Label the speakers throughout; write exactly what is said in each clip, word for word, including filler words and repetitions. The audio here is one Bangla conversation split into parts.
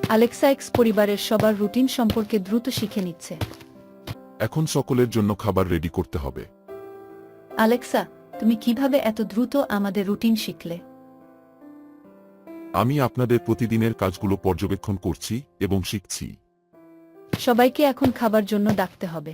Speaker 1: আলেক্সা এক্স পরিবারের সবার রুটিন সম্পর্কে দ্রুত শিখে নিচ্ছে।
Speaker 2: এখন সকলের জন্য খাবার রেডি করতে হবে।
Speaker 1: আলেক্সা, তুমি কিভাবে এত দ্রুত আমাদের রুটিন শিখলে?
Speaker 2: আমি আপনাদের প্রতিদিনের কাজগুলো পর্যবেক্ষণ করছি এবং শিখছি।
Speaker 1: সবাইকে এখন খাবার জন্য ডাকতে হবে।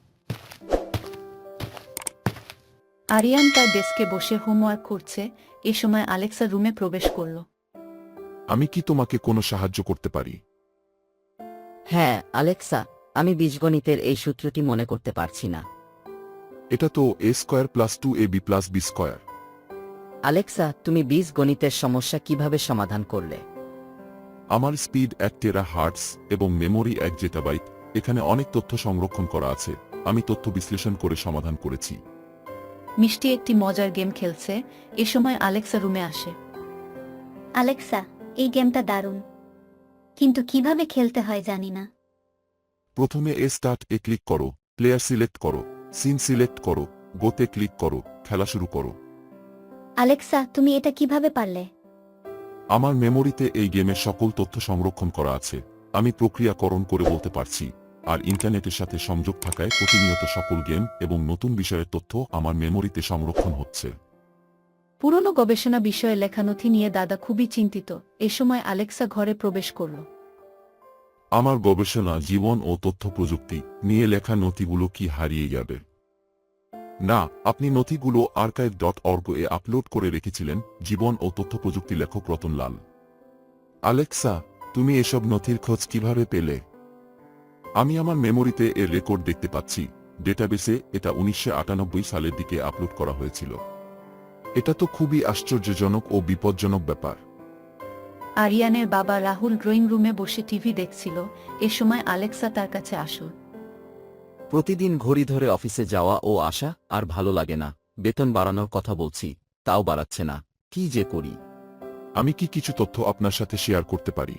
Speaker 1: আরিয়ান তার ডেস্কে বসে হোমওয়ার্ক করছে। এ সময় আলেক্সা রুমে প্রবেশ করল।
Speaker 2: আমি কি তোমাকে কোনো সাহায্য করতে পারি?
Speaker 3: হ্যাঁ আলেক্সা, আমি বীজগণিতের এই সূত্রটি মনে করতে পারছি না।
Speaker 2: এটা তো A square plus two A B plus B square.
Speaker 3: Alexa, তুমি বীজগণিতের সমস্যা কিভাবে সমাধান করলে?
Speaker 2: আমার স্পিড এক টেরা হার্টস এবং মেমোরি এক জেটাবাইট। এখানে অনেক তথ্য সংরক্ষণ করা আছে। আমি তথ্য বিশ্লেষণ করে সমাধান করেছি।
Speaker 1: মিষ্টি একটি মজার গেম খেলছে। এ সময় আলেক্সা রুমে আসে।
Speaker 4: আলেক্সা, এই গেমটা দারুণ, কিন্তু কিভাবে খেলতে হয় জানি না।
Speaker 2: প্রথমে এ স্টার্ট এ ক্লিক করো, প্লেয়ার সিলেক্ট করো, সিন সিলেক্ট করো, গোতে ক্লিক করো, খেলা শুরু করো।
Speaker 4: আলেক্সা, তুমি এটা কিভাবে পারলে?
Speaker 2: আমার মেমোরিতে এই গেমের সকল তথ্য সংরক্ষণ করা আছে। আমি প্রক্রিয়াকরণ করে বলতে পারছি, আর ইন্টারনেটের সাথে সংযোগ থাকায় প্রতিনিয়ত সকল গেম এবং নতুন বিষয়ের তথ্য আমার মেমোরিতে সংরক্ষণ হচ্ছে।
Speaker 1: পুরনো গবেষণা বিষয়ে লেখা নথি নিয়ে দাদা খুবই চিন্তিত। এ সময় আলেক্সা ঘরে প্রবেশ করল।
Speaker 2: আমার গবেষণা, জীবন ও তথ্য প্রযুক্তি নিয়ে লেখা নথিগুলো কি হারিয়ে যাবে? না, আপনি নথিগুলো আর্কাইভ ডট অর্গ এ আপলোড করে রেখেছিলেন। জীবন ও তথ্য প্রযুক্তি লেখক রতন লাল। আলেক্সা, তুমি এসব নথির খোঁজ কিভাবে পেলে? আমি আমার মেমোরিতে এর রেকর্ড দেখতে পাচ্ছি। ডেটাবেসে এটা উনিশশো আটানব্বই সালের দিকে আপলোড করা হয়েছিল। এটা তো খুবই আশ্চর্যজনক ও বিপজ্জনক ব্যাপার।
Speaker 1: আরিয়ানের বাবা রাহুল ড্রয়িং রুমে বসে টিভি দেখছিল। এ সময় আলেক্সা তার কাছে আসল।
Speaker 5: প্রতিদিন ঘড়ি ধরে অফিসে যাওয়া ও আসা আর ভালো লাগে না। বেতন বাড়ানোর কথা বলছি, তাও বাড়াচ্ছে না। কি যে করি।
Speaker 2: আমি কি কিছু তথ্য আপনার সাথে শেয়ার করতে পারি?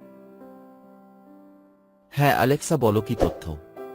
Speaker 5: হ্যাঁ আলেক্সা, বলো কি তথ্য?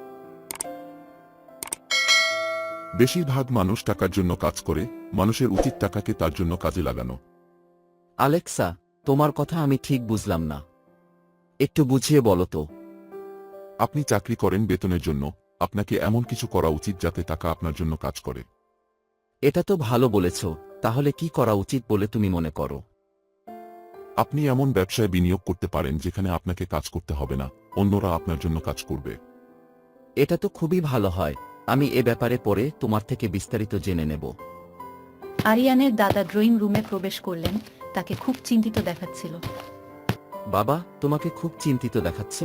Speaker 2: বেশিরভাগ মানুষ টাকার জন্য কাজ করে। মানুষের উচিত টাকাকে তার জন্য কাজে লাগানো।
Speaker 5: আলেক্সা, তোমার কথা আমি ঠিক বুঝলাম না, একটু বুঝিয়ে বলো তো।
Speaker 2: আপনি চাকরি করেন বেতনের জন্য। আপনাকে এমন কিছু করা উচিত যাতে টাকা আপনার জন্য কাজ করে।
Speaker 5: এটা তো ভালো বলেছ, তাহলে কি করা উচিত বলে তুমি মনে করো?
Speaker 2: আপনি এমন ব্যবসায় বিনিয়োগ করতে পারেন যেখানে আপনাকে কাজ করতে হবে না, অন্যরা আপনার জন্য কাজ করবে।
Speaker 5: এটা তো খুবই ভালো হয়। আমি এ ব্যাপারে পরে তোমার থেকে বিস্তারিত জেনে নেব।
Speaker 1: আরিয়ানের দাদা ড্রয়িং রুমে প্রবেশ করলেন। তাকে খুব চিন্তিত দেখাচ্ছিল।
Speaker 5: বাবা, তোমাকে খুব চিন্তিত দেখাচ্ছে।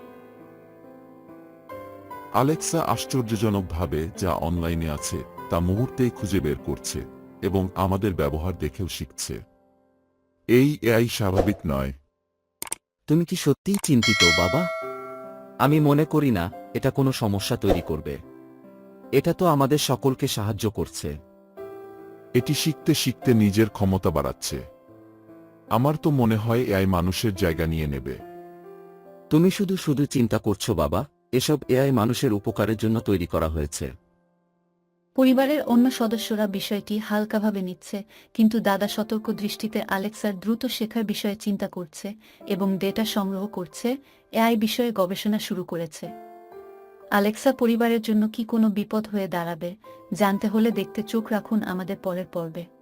Speaker 2: আলেক্সা আশ্চর্যজনকভাবে যা অনলাইনে আছে তা মুহূর্তেই খুঁজে বের করছে এবং আমাদের ব্যবহার দেখেও শিখছে। এই এআই স্বাভাবিক নয়।
Speaker 5: তুমি কি সত্যিই চিন্তিত বাবা? আমি মনে করি না এটা কোনো সমস্যা তৈরি করবে। এটা তো আমাদের সকলকে সাহায্য করছে।
Speaker 2: এটি শিখতে শিখতে নিজের ক্ষমতা বাড়াচ্ছে। আমার তো মনে হয় এআই মানুষের জায়গা নিয়ে নেবে।
Speaker 5: তুমি শুধু শুধু চিন্তা করছো বাবা। এসব এআই মানুষের উপকারের জন্য তৈরি করা হয়েছে।
Speaker 1: পরিবারের অন্য সদস্যরা বিষয়টি হালকাভাবে নিচ্ছে, কিন্তু দাদা সতর্ক দৃষ্টিতে আলেক্সার দ্রুত শেখার বিষয়ে চিন্তা করছে এবং ডেটা সংগ্রহ করছে। এআই বিষয়ে গবেষণা শুরু করেছে। আলেক্সা পরিবারের জন্য কি কোনো বিপদ হয়ে দাঁড়াবে জানতে হলে দেখতে চোখ রাখুন আমাদের পরের পর্বে।